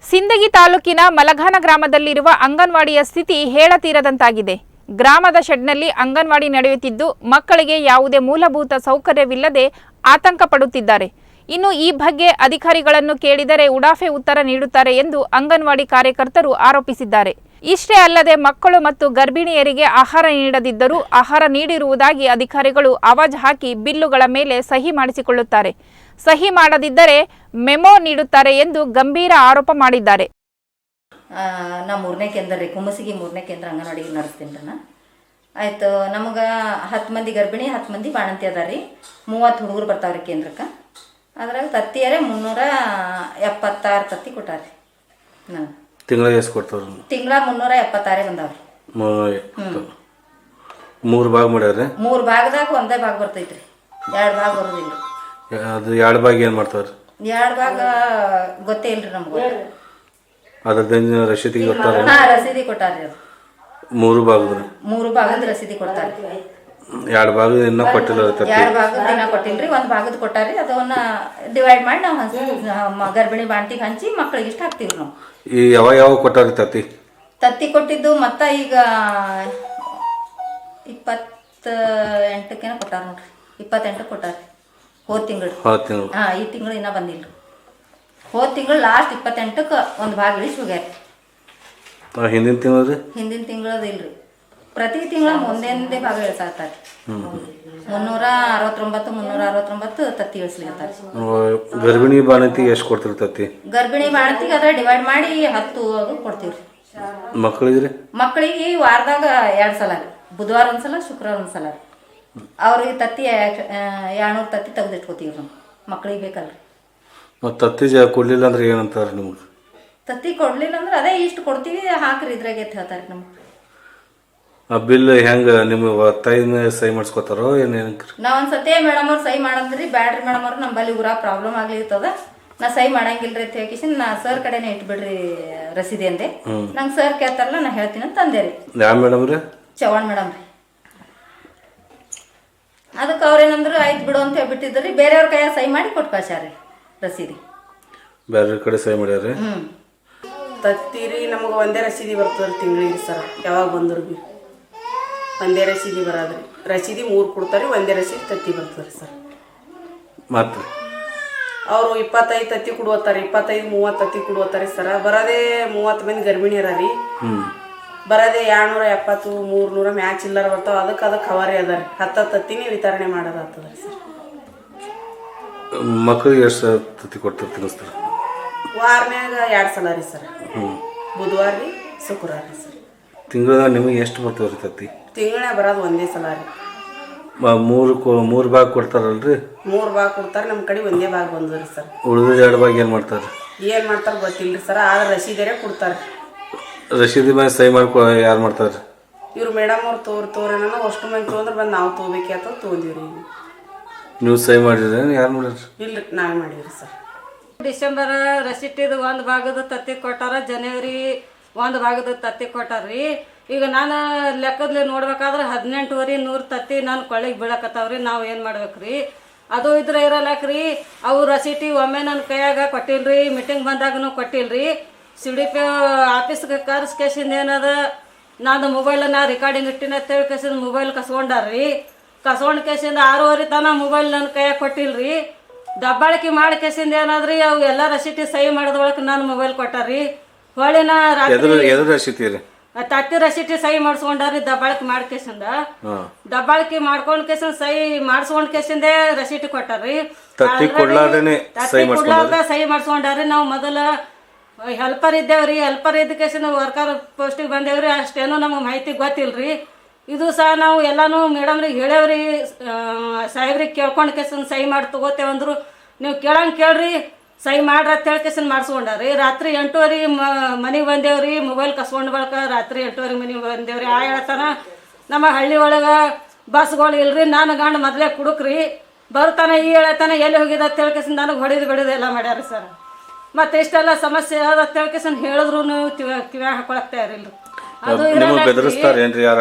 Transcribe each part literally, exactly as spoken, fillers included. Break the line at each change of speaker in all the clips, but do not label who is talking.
ಸಿಂದಗಿ ತಾಲೂಕಿನ ಮಲಘಾನ ಗ್ರಾಮದಲ್ಲಿರುವ ಅಂಗನವಾಡಿಯ ಸ್ಥಿತಿ ಹೇಳತೀರದಂತಾಗಿದೆ. ಗ್ರಾಮದ ಶೆಡ್ನಲ್ಲಿ ಅಂಗನವಾಡಿ ನಡೆಯುತ್ತಿದ್ದು ಮಕ್ಕಳಿಗೆ ಯಾವುದೇ ಮೂಲಭೂತ ಸೌಕರ್ಯವಿಲ್ಲದೆ ಆತಂಕ ಪಡುತ್ತಿದ್ದಾರೆ. ಇನ್ನು ಈ ಬಗ್ಗೆ ಅಧಿಕಾರಿಗಳನ್ನು ಕೇಳಿದರೆ ಉಡಾಫೆ ಉತ್ತರ ನೀಡುತ್ತಾರೆ ಎಂದು ಅಂಗನವಾಡಿ ಕಾರ್ಯಕರ್ತರು ಆರೋಪಿಸಿದ್ದಾರೆ. ಇಷ್ಟೇ ಅಲ್ಲದೆ ಮಕ್ಕಳು ಮತ್ತು ಗರ್ಭಿಣಿಯರಿಗೆ ಆಹಾರ ನೀಡದಿದ್ದರೂ ಆಹಾರ ನೀಡಿರುವುದಾಗಿ ಅಧಿಕಾರಿಗಳು ಆವಾಜ್ ಹಾಕಿ ಬಿಲ್ಲುಗಳ ಮೇಲೆ ಸಹಿ ಮಾಡಿಸಿಕೊಳ್ಳುತ್ತಾರೆ. ಸಹಿ ಮಾಡದಿದ್ದರೆ ಮೆಮೊ ನೀಡುತ್ತಾರೆ ಎಂದು ಗಂಭೀರ ಆರೋಪ ಮಾಡಿದ್ದಾರೆ.
ನಾ ಮೂರನೇ ಕೇಂದ್ರ ರೀ ಕುಮ್ಮಸಿಗೆ ಮೂರನೇ ಕೇಂದ್ರ ಅಂಗನವಾಡಿ ನಡೆಸ್ತೀನಿ ರೀ. ಆಯ್ತು, ನಮಗೆ ಹತ್ತು ಮಂದಿ ಗರ್ಭಿಣಿ ಹತ್ತು ಮಂದಿ ಬಾಣಂತಿ ಅದ ರೀ. ಮೂವತ್ತು ಹುಡುಗರು ಬರ್ತಾವ್ರಿ ಕೇಂದ್ರಕ್ಕೆ. ಅದ್ರಾಗ ತತ್ತಿಯರೇ ಮುನ್ನೂರ ಎಪ್ಪತ್ತಾರು ತತ್ತಿ ಕೊಟ್ಟಾರ್ರಿ. ನನಗೆ
ತಿಂಗಳ ಎಷ್ಟು ಕೊಡ್ತಾರ?
ತಿಂಗಳ ಮುನ್ನೂರ ಎಪ್ಪತ್ತಾರೇ ಬಂದಾವ್ರಿ.
ಮೂರು ಭಾಗ ಮಾಡ್ಯಾರ. ಮೂರು
ಭಾಗದಾಗ ಒಂದೇ ಭಾಗ ಬರ್ತೈತ್ರಿ, ಎರಡು ಭಾಗ ಬರೋದಿಲ್ಲ.
ಅದು ಎರಡು ಭಾಗ ಏನು ಮಾಡ್ತಾವ್ರಿ?
ಎರಡು ಭಾಗ ಗೊತ್ತೇ ಇಲ್ರಿ ನಮ್ಗೆ.
ಅದ್ರದ್ದು ರಸೀದಿ ಕೊಟ್ಟಾರ?
ಹಾ, ರಸೀದಿ ಕೊಟ್ಟಾರ್ರಿ. ಅದು
ಮೂರು ಭಾಗದ
ಮೂರು ಭಾಗದ ರಸೀದಿ ಕೊಡ್ತಾರೆ.
ಎರಡು ಭಾಗ ಇನ್ನೂ ಕೊಟ್ಟಿಲ್ಲ.
ಎರಡು ಭಾಗದ ದಿನ ಕೊಟ್ಟಿಲ್ರಿ, ಒಂದು ಭಾಗದ ಕೊಟ್ಟಾರಿ. ಅದನ್ನ ಡಿವೈಡ್ ಮಾಡಿ ನಾವು ಹಂಚಿ ಗರ್ಭಿಣಿ ಬಾಂಟಿಗೆ ಹಂಚಿ ಮಕ್ಕಳಿಗೆ ಇಷ್ಟ ಹಾಕ್ತೀವಿ ನಾವು.
ಈ ಯಾವ ಯಾವ ಕೊಟ್ಟಾರಿ ತತ್ತಿ?
ತತ್ತಿ ಕೊಟ್ಟಿದ್ದು ಮತ್ತ ಈಗ ಇಪ್ಪತ್ತ ಎಂಟಕ್ಕೇನ ಕೊಟ್ಟಾರ ನೋಡ್ರಿ. ಇಪ್ಪತ್ತೆಂಟು ಕೊಟ್ಟಾರಿ ಹೋದ ತಿಂಗಳು.
ಹೋದ ತಿಂಗಳು
ಹಾ, ಈ ತಿಂಗಳು ಇನ್ನೂ ಬಂದಿಲ್ರಿ. ಹೋದ ತಿಂಗಳು ಲಾಸ್ಟ್ ಇಪ್ಪತ್ತೆಂಟಕ್ಕೆ ಒಂದು ಭಾಗ ಇಳಿಸಿ ಹೋಗ್ಯಾರ.
ಹಿಂದಿನ ತಿಂಗಳು
ಹಿಂದಿನ ತಿಂಗಳದ ಇಲ್ರಿ, ಪ್ರತಿ ತಿಂಗಳ ಮುಂದೆಂದೇ ಭಾಗ ಇಳಿಸಾತಾರೆ. ಮುನ್ನೂರ ಅರವತ್ತೊಂಬತ್ತು ಮುನ್ನೂರ ಅರವತ್ತೊಂಬತ್ತು ತತ್ತಿ ಇಳಿಸ್ಲಿಕತ್ತಾರೆ.
ಗರ್ಭಿಣಿ ಬಾಣಂತಿಗೆ ಎಷ್ಟು ಕೊಡ್ತೀರಿ ತತ್ತಿ?
ಗರ್ಭಿಣಿ ಬಾಣಂತಿಗೆ ಅದ್ರ ಡಿವೈಡ್ ಮಾಡಿ ಹತ್ತು ಕೊಡ್ತೀವ್ರಿ.
ಮಕ್ಕಳಿಗೆ
ಮಕ್ಕಳಿಗೆ ವಾರದಾಗ ಎರಡು ಸಲ ರೀ, ಬುಧವಾರ ಒಂದ್ಸಲ ಶುಕ್ರವಾರ ಒಂದ್ಸಲ ರೀ. ಅವ್ರಿಗೆ ತತ್ತಿ ಎರಡ್ನೂರು ತತ್ತಿ ತೆಗೆದಿಟ್ಕೋತೀವಿ ನಾವು, ಮಕ್ಕಳಿಗೆ ಬೇಕಲ್ರಿ.
ತತ್ತಿ ಕೊಡ್ಲಿಲ್ಲ ಅಂದ್ರೆ ಏನಂತಾರೆ ನಿಮ್ಗೆ?
ತತ್ತಿ ಕೊಡ್ಲಿಲ್ಲ ಅಂದ್ರೆ ಅದೇ ಇಷ್ಟು ಕೊಡ್ತೀವಿ ಹಾಕ್ರಿ ಇದ್ರಾಗೆ ಅಂತ ಹೇಳ್ತಾರೆ ನಮ್ಗೆ.
ಆ ಬಿಲ್ ಹೆಂಗ ನಿಮ್ಗೆ ಒತ್ತಾಯ ಸಹಿ ಮಾಡಿಸ್ಕೊತಾರೋ ಏನೇನು?
ನಾ ಒಂದ್ಸತಿ ಮೇಡಮ್ ಅವ್ರು ಸಹಿ ಮಾಡಂದ್ರಿ, ಬ್ಯಾಡ್ರಿ ಮೇಡಮ್ ಅವ್ರು ನಮ್ಮಲ್ಲಿ ಊರ ಪ್ರಾಬ್ಲಮ್ ಆಗ್ಲಿರ್ತದ, ನಾ ಸಹಿ ಮಾಡಂಗಿಲ್ರಿ ಅಂತ ಹೇಳಿ ನಾ ಸರ್ ಕಡೆನೇ ಇಟ್ಬಿಡ್ರಿ ರಸೀದಿ ಅಂದೆ. ನಂಗೆ ಸರ್ ಕೇಳ್ತಾರಲ್ಲ ನಾ ಹೇಳ್ತೀನಿ ಅಂತ ಅಂದೆ ರೀ.
ಯಾವ ಮೇಡಮ್ ರೀ?
ಚವಾಣ್ ಮೇಡಮ್ ರೀ. ಅದಕ್ಕೆ ಅವ್ರೇನಂದ್ರು ಆಯ್ತು ಬಿಡು ಅಂತ ಹೇಳ್ಬಿಟ್ಟಿದ್ರಿ, ಬೇರೆಯವ್ರ ಕೈಯಾಗ ಸಹಿ ಮಾಡಿ ಕೊಟ್ಟು ಕಳ್ಸ್ಯಾರ್ರಿ ರಸೀದಿ.
ಬೇರೆ ಕಡೆ ಸಹಿ ಮಾಡ್ಯಾರ.
ಹ್ಮ್
ತತ್ತೀರಿ ನಮಗೆ ಒಂದೇ ರಸೀದಿ ಬರ್ತದ್ರಿ ತಿಂಗಳಿಗೆ ಸರ್. ಯಾವಾಗ ಬಂದ್ರು ಬಿ ಒಂದೇ ರಸೀದಿ ಬರೋದ್ರಿ. ರಸೀದಿ ಮೂರು ಕೊಡ್ತಾರೆ, ಒಂದೇ ರಸೀದಿ ತತ್ತಿ ಬರ್ತದ್ರಿ ಸರ್.
ಮತ್ತೆ
ಅವರು ಇಪ್ಪತ್ತೈದು ತತ್ತಿ ಕೊಡುವತ್ತಾರೆ, ಇಪ್ಪತ್ತೈದು ಮೂವತ್ತು ತತ್ತಿ ಕೊಡುವತ್ತಾರೆ ಸರ್. ಬರೋದೇ ಮೂವತ್ತು ಮಂದಿ ಗರ್ಭಿಣಿಯರ ರೀ. ಬರೋದೇ ಎರಡ್ನೂರ ಎಪ್ಪತ್ತು ಮೂರ್ನೂರ ಮ್ಯಾಚ್ ಚಿಲ್ಲರ ಬರ್ತಾವ. ಅದಕ್ಕೆ ಅದಕ್ಕೆ ಕವರಿ ಅದ ರೀ. ಹತ್ತು ತತ್ತಿನೇ ವಿತರಣೆ ಮಾಡೋದಾಗ್ತದ್ರಿ ಸರ್.
ಮಕ್ಕಳಿಗೆ ಎಷ್ಟು ತತ್ತಿ ಕೊಡ್ತಾರೆ ತಿನ್ನಿಸ್ತಾರೆ?
ವಾರನ್ಯಾಗ ಎರಡು ಸಲ ರೀ ಸರ್, ಬುಧವಾರ ರೀ ಶುಕ್ರವಾರ ರೀ ಸರ್.
ತಿಂಗಳ ನಿಮಗೆ ಎಷ್ಟು ಬರ್ತವೆ ರೀ ತತ್ತಿ?
ತಿಂಗಳೇ ಬರೋದು ಒಂದೇ ಸಲ ರೀ.
ಮೂರು ಮೂರು ಭಾಗ ಕೊಡ್ತಾರಲ್ರಿ?
ಮೂರು ಭಾಗ ಕೊಡ್ತಾರೆ, ನಮ್ಮ ಕಡೆ ಒಂದೇ ಭಾಗ ಬಂದ್ರಿ ಸರ್.
ಉಳಿದ ಎರಡು ಭಾಗ ಏನು ಮಾಡ್ತಾರೆ?
ಏನು ಮಾಡ್ತಾರೆ ಗೊತ್ತಿಲ್ಲ ಸರ್, ಆದ್ರೆ ರಸೀದಿಯರೇ ಕೊಡ್ತಾರೆ.
ರಸೀದಿ ಮೇಲೆ ಸಹಿ ಮಾಡ್ಕೊ ಯಾರು ಮಾಡ್ತಾರೆ?
ಇವ್ರು ಮೇಡಮ್ ಅವ್ರು ತೋರ್ ತೋರೇನ ಅಷ್ಟು ಮಂದಿ ತೊಗೊಂಡ್ರೆ ಬಂದು ನಾವು ತೊಗೋಬೇಕಿ ಅಂತ ತೊಗೊಂಡಿವ್ರಿ.
ನೀವು ಸಹಿ ಮಾಡಿದ್ರೆ ಯಾರು ಮಾಡಿರಿ?
ಇಲ್ರಿ, ನಾವೇ ಮಾಡಿವ್ರಿ ಸರ್.
ಡಿಸೆಂಬರ್ ರಸೀಟಿದು ಒಂದು ಭಾಗದ ತತ್ತಿ ಕೊಟ್ಟಾರ, ಜನವರಿ ಒಂದು ಭಾಗದ ತತ್ತಿ ಕೊಟ್ಟಾರ್ರಿ. ಈಗ ನಾನು ಲೆಕ್ಕದಲ್ಲಿ ನೋಡ್ಬೇಕಾದ್ರೆ ಹದಿನೆಂಟುವರೆ ನೂರು ತತ್ತಿ ನಾನು ಕೊಳ್ಳಿಗೆ ಬೀಳಕತ್ತಾವ್ರಿ. ನಾವು ಏನು ಮಾಡ್ಬೇಕ್ರಿ? ಅದು ಇದ್ರೆ ಇರಲ್ಲಕ್ರಿ. ಅವು ರಸೀಟಿ ಒಮ್ಮೆ ನನ್ನ ಕೈಯಾಗ ಕೊಟ್ಟಿಲ್ರಿ, ಮೀಟಿಂಗ್ ಬಂದಾಗೂ ಕೊಟ್ಟಿಲ್ರಿ. ಸಿ ಡಿ ಪಿ ಆಫೀಸ್ಗೆ ಕರ್ಸ್ಕೇಸಿಂದ ಏನದ ನಾನು ಮೊಬೈಲನ್ನ ರೆಕಾರ್ಡಿಂಗ್ ಇಟ್ಟಿನ ಅಂತೇಳಿ ಕೇಸಿಂದ ಮೊಬೈಲ್ ಕಸ್ಕೊಂಡಾರ್ರಿ. ಕಸ್ಕೊಂಡು ಕೇಸಿಂದ ಆರೂವರೆ ತನ ಮೊಬೈಲ್ ನನ್ನ ಕೈಯಾಗ ಕೊಟ್ಟಿಲ್ರಿ. ದಬ್ಬಾಳಿಕೆ ಮಾಡಿ ಕೇಸಿಂದ ಏನಾದ್ರಿ ಅವು ಎಲ್ಲ ರಸೀಟಿ ಸಹಿ ಮಾಡಿದ ಒಳಗೆ ನಾನು ಮೊಬೈಲ್ ಕೊಟ್ಟಾರ್ರಿ. ಹೊಳಿನ ರಾತ್ರಿ ತತ್ತಿ ರಸೀಟಿ ಸಹಿ ಮಾಡಿಸ್ಕೊಂಡಾರಿ. ದಬ್ಬಾಳಿಕೆ ಮಾಡಿ ಕೇಸಿಂದ ದಬ್ಬಾಳಿಕೆ ಮಾಡ್ಕೊಂಡ್ ಕೇಸಿಂದ ಸಹಿ ಮಾಡಿಸ್ಕೊಂಡ್ ಕೇಸಿಂದೇ ರಸೀಟಿ ಕೊಟ್ಟಾರ್ರಿ. ತತ್ತಿ ಕೊಡ್ಲಾರ್ದ ಸಹಿ ಮಾಡಿಸ್ಕೊಂಡಾರಿ. ನಾವು ಮೊದಲ ಹೆಲ್ಪರ್ ಇದ್ದೇವ್ರಿ, ಹೆಲ್ಪರ್ ಇದ್ದ ಕೇಸಿಂದ ವರ್ಕರ್ ಪೋಸ್ಟಿಗೆ ಬಂದೇವ್ರಿ. ಅಷ್ಟೇನೋ ನಮಗೆ ಮಾಹಿತಿ ಗೊತ್ತಿಲ್ರಿ. ಇದು ಸಹ ನಾವು ಎಲ್ಲಾನು ಮೇಡಮ್ರಿಗೆ ಹೇಳೇವ್ರಿ, ಸಾಹೇಬ್ರಿಗೆ ಕೇಳ್ಕೊಂಡು ಕೇಸಿಂದ ಸಹಿ ಮಾಡಿ ತಗೋತೇವಂದ್ರು. ನೀವು ಕೇಳಂಗೆ ಕೇಳ್ರಿ, ಸಹಿ ಮಾಡ್ರಿ ಅಂತ ಹೇಳಿ ಕೇಸಿಂದ ಮಾಡಿಸ್ಕೊಂಡಾರಿ. ರಾತ್ರಿ ಎಂಟೂವರೆಗೆ ಮನೆಗೆ ಬಂದೇವ್ರಿ. ಮೊಬೈಲ್ ಕಸ್ಕೊಂಡು ಬಳಕ ರಾತ್ರಿ ಎಂಟೂವರೆಗೆ ಮನೆಗೆ ಬಂದೇವ್ರಿ. ಆ ಹೇಳ್ತಾನ ನಮ್ಮ ಹಳ್ಳಿ ಒಳಗೆ ಬಸ್ಗಳು ಇಲ್ರಿ. ನಾನು ಗಂಡ ಮೊದಲೇ ಕುಡುಕ್ರಿ, ಬರ್ತಾನೆ ಈ ಹೇಳ್ತಾನೆ ಎಲ್ಲಿ ಹೋಗಿದ ಅಂತ ಹೇಳಿ ಕೇಸಿಂದ ನನಗೆ ಹೊಡಿದು ಬಿಡಿದು ಎಲ್ಲ ಮಾಡ್ಯಾರ ಸರ್. ಮತ್ತೆ ಇಷ್ಟೆಲ್ಲ ಸಮಸ್ಯೆ ಅದ ಅಂತ ಹೇಳಿ ಕೇಸಿಂದ ಹೇಳಿದ್ರು ಕಿವ್ಯಾಗ ಹಾಕೊಳಕ್ ತಯಾರಿಲ್ರಿ. ಅದು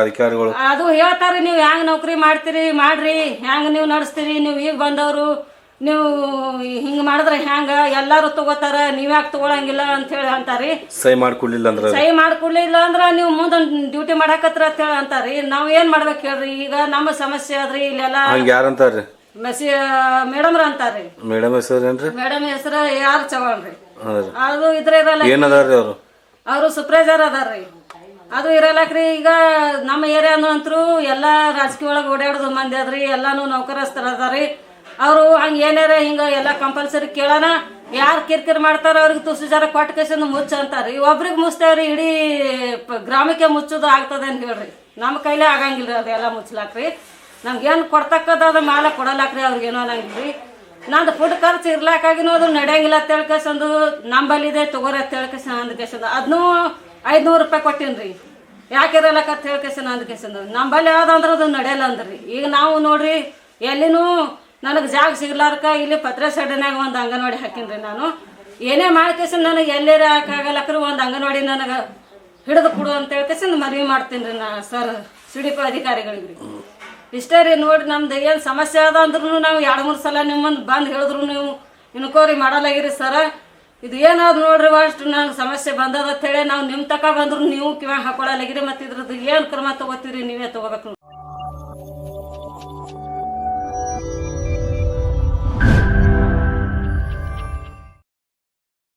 ಅದು ಹೇಳ್ತಾರ್ರಿ, ನೀವು ಹ್ಯಾಂಗ ನೌಕರಿ ಮಾಡ್ತೀರಿ ಮಾಡ್ರಿ, ಹ್ಯಾಂಗ ನೀವು ನಡೆಸ್ತೀರಿ, ನೀವು ಈಗ ಬಂದವರು ನೀವು ಹಿಂಗೆ ಮಾಡಿದ್ರೆ ಹ್ಯಾಂಗ ಎಲ್ಲರೂ ತಗೋತಾರ ನೀವ್ಯಾಕೆ ತಗೊಳಂಗಿಲ್ಲ ಅಂತ ಹೇಳಿ ಅಂತಾರಿ.
ಸಹಿ ಮಾಡ್ಕೊಡ್ಲಿಲ್ಲ ಅಂದ್ರೆ
ಸಹಿ ಮಾಡ್ಕೊಡ್ಲಿಲ್ಲ ಅಂದ್ರೆ ನೀವು ಮುಂದೆ ಡ್ಯೂಟಿ ಮಾಡಾಕತ್ರ ಅಂತ ಹೇಳಿ ಅಂತಾರಿ. ನಾವು ಏನ್ ಮಾಡ್ಬೇಕು ಹೇಳ್ರಿ, ಈಗ ನಮ್ಮ ಸಮಸ್ಯೆ ಆದ್ರಿ ಇಲ್ಲೆಲ್ಲ
ಹಂಗ ಯಾರಂತಾರ್ರಿ?
ಮೆಸಿ ಮೇಡಮ್ರ ಅಂತಾರ್ರಿ.
ಮೇಡಮ್ ಹೆಸರು ಏನ್ರಿ?
ಮೇಡಮ್ ಹೆಸರು ಯಾರು ಚವಾಣ್ ರೀ.
ಹೌದ್ರಿ.
ಅದು ಇದ್ರ ಇರಲ್ಲ,
ಏನದಾರ್ರಿ ಅವರು?
ಅವರು ಸೂಪರ್ವೈಸರ್ ಅದಾರ್ರಿ. ಅದು ಇರಲ್ಲಕ್ರಿ. ಈಗ ನಮ್ಮ ಏರಿಯಾನು ಅಂತರೂ ಎಲ್ಲ ರಾಜಕೀಯ ಒಳಗೆ ಓಡಾಡೋದು ಮಂದಿ ಅದ್ರಿ, ಎಲ್ಲಾನು ನೌಕರಸ್ಥರ ಅದಾರಿ. ಅವರು ಹಂಗೆ ಏನಾರ ಹಿಂಗೆ ಎಲ್ಲ ಕಂಪಲ್ಸರಿ ಕೇಳೋಣ, ಯಾರು ಕಿರಿಕಿರಿ ಮಾಡ್ತಾರ ಅವ್ರಿಗೆ ತುಸು ಜರ ಕೊಟ್ಟ ಕೇಸಂದು ಮುಚ್ಚ ಅಂತಾರ್ರಿ. ಒಬ್ರಿಗೆ ಮುಚ್ತೇವ್ರಿ, ಇಡೀ ಗ್ರಾಮಕ್ಕೆ ಮುಚ್ಚೋದು ಆಗ್ತದೆ ಅಂತ ಹೇಳ್ರಿ. ನಮ್ಮ ಕೈಲೇ ಆಗಂಗಿಲ್ಲ ಅದೆಲ್ಲ ಮುಚ್ಚಲಾಕ್ರಿ. ನಮ್ಗೇನು ಕೊಡ್ತಕ್ಕದ ಅದು ಮಾಲ ಕೊಡಲಾಕ್ರಿ, ಅವ್ರಿಗೇನೋ ಅನ್ನಂಗಿಲ್ರಿ. ನಂದು ಫುಡ್ ಖರ್ಚು ಇರ್ಲಾಕಾಗಿನೂ ಅದು ನಡೆಯಂಗಿಲ್ಲ ಅಂತ ಹೇಳ್ಕೇಸಂದು ನಂಬಲ್ಲಿದೆ ತಗೋರಿ ಅಂತ ಹೇಳ್ಕೇಸ ಅಂದ ಕೇಸಂದು ಅದನ್ನೂ ಐದುನೂರು ರೂಪಾಯಿ ಕೊಟ್ಟಿನ್ರಿ. ಯಾಕೆ ಇರಲಕ್ಕ ಅಂತ ಹೇಳ್ಕೇಸನ ಅಂದ ಕೇಸಂದು ನಂಬಲ್ಲಿ ಯಾವ್ದಂದ್ರೆ ಅದು ನಡೆಯಲ್ಲ ಅಂದ್ರಿ. ಈಗ ನಾವು ನೋಡ್ರಿ ಎಲ್ಲಿನೂ ನನಗೆ ಜಾಗ ಸಿಗ್ಲಾರ್ಕ ಇಲ್ಲಿ ಪತ್ರೆ ಸಡ್ನಾಗ ಒಂದು ಅಂಗನವಾಡಿ ಹಾಕಿನ್ರಿ. ನಾನು ಏನೇ ಮಾಡ್ಕೇಸನ್ ನನಗೆ ಎಲ್ಲೇರ ಹಾಕಾಗಲ್ಲಕ್ರಿ ಒಂದು ಅಂಗನವಾಡಿ ನನಗೆ ಹಿಡಿದು ಕೊಡು ಅಂತ ಹೇಳ್ಕೇಸಂದು ಮನವಿ ಮಾಡ್ತೀನಿ ರೀ ನಾ ಸರ್ ಸಿ ಡಿ ಪಿ ಅಧಿಕಾರಿಗಳಿಗೆ. ಇಷ್ಟೇ ರೀ. ನೋಡಿ ನಮ್ದು ಏನು ಸಮಸ್ಯೆ ಅದ ಅಂದ್ರೂ ನಾವು ಎರಡು ಮೂರು ಸಲ ನಿಮ್ಮನ್ನು ಬಂದು ಹೇಳಿದ್ರು ನೀವು ಇನ್ಕೋರಿ ಮಾಡಲಾಗಿರಿ ಸರ. ಇದು ಏನಾದ್ರು ನೋಡ್ರಿ ಅಷ್ಟು ನಂಗೆ ಸಮಸ್ಯೆ ಬಂದದ ಅಂತೇಳಿ ನಾವು ನಿಮ್ಮ ತಕ ಬಂದ್ರು ನೀವು ಕಿವಾಗ ಹಾಕೊಳ್ಳಲಾಗಿರಿ. ಮತ್ತು ಇದ್ರದ್ದು ಏನು ಕ್ರಮ ತೊಗೋತೀರಿ ನೀವೇ ತೊಗೋಬೇಕು.